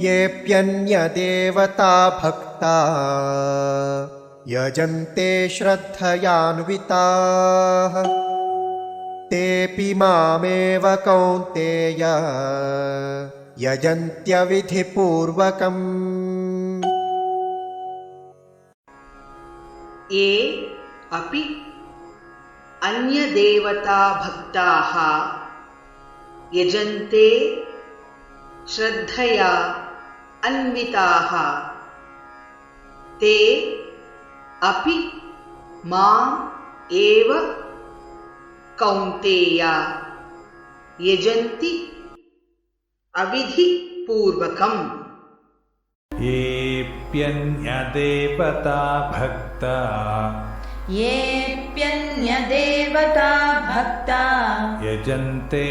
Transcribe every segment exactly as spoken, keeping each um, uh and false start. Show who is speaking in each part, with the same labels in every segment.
Speaker 1: येऽप्यन्यदेवता भक्ता यजन्ते श्रद्धयान्विताः तेऽपि मामेव कौन्तेय यजन्त्यविधिपूर्वकम्।
Speaker 2: ये अपि अन्यदेवता भक्ताः यजन्ते श्रद्धया अन्विताः ते अपि माम् एव कौन्तेय यजन्ति अविधिपूर्वकम्।
Speaker 3: येऽप्यन्यदेवता भक्ता
Speaker 4: येऽप्यन्यदेवता भक्ता
Speaker 3: यजन्ते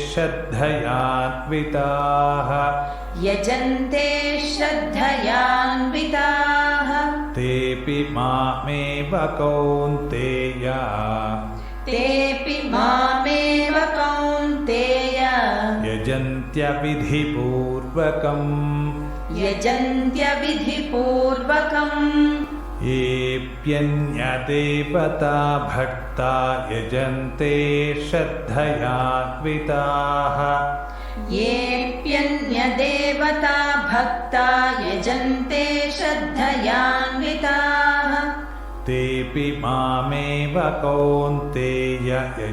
Speaker 3: श्रद्धयान्विताः
Speaker 4: यजन्ते श्रद्धयान्विताः
Speaker 3: तेऽपि मामेव कौन्तेय
Speaker 4: तेऽपि मामेव कौन्तेय
Speaker 3: यजन्त्यविधिपूर्वकम्
Speaker 4: यजन्त्यविधिपूर्वकम्।
Speaker 3: येऽप्यन्यदेवता भक्ता यजन्ते श्रद्धयान्विताः
Speaker 4: येऽप्यन्यदेवता भक्ता यजन्ते श्रद्धयान्विताः
Speaker 3: तेऽपि मामेव कौन्तेय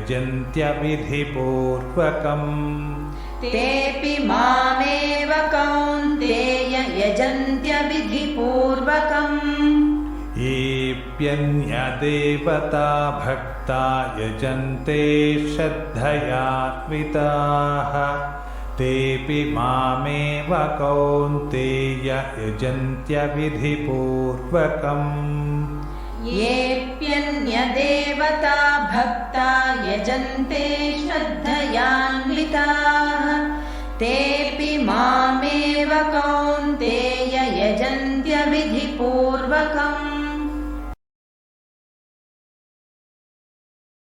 Speaker 3: यजन्त्यविधिपूर्वकम्
Speaker 4: तेऽपि मामेव कौन्तेय यजन्त्यविधिपूर्वकम्।
Speaker 3: येऽप्यन्यदेवता भक्ता यजन्ते श्रद्धयान्विताः तेऽपि मामेव कौन्तेय यजन्त्यविधिपूर्वकम्
Speaker 4: येऽप्यन्यदेवता भक्ता यजन्ते श्रद्धयान्विताः तेऽपि मामेव कौन्तेय यजन्त्यविधिपूर्वकम्।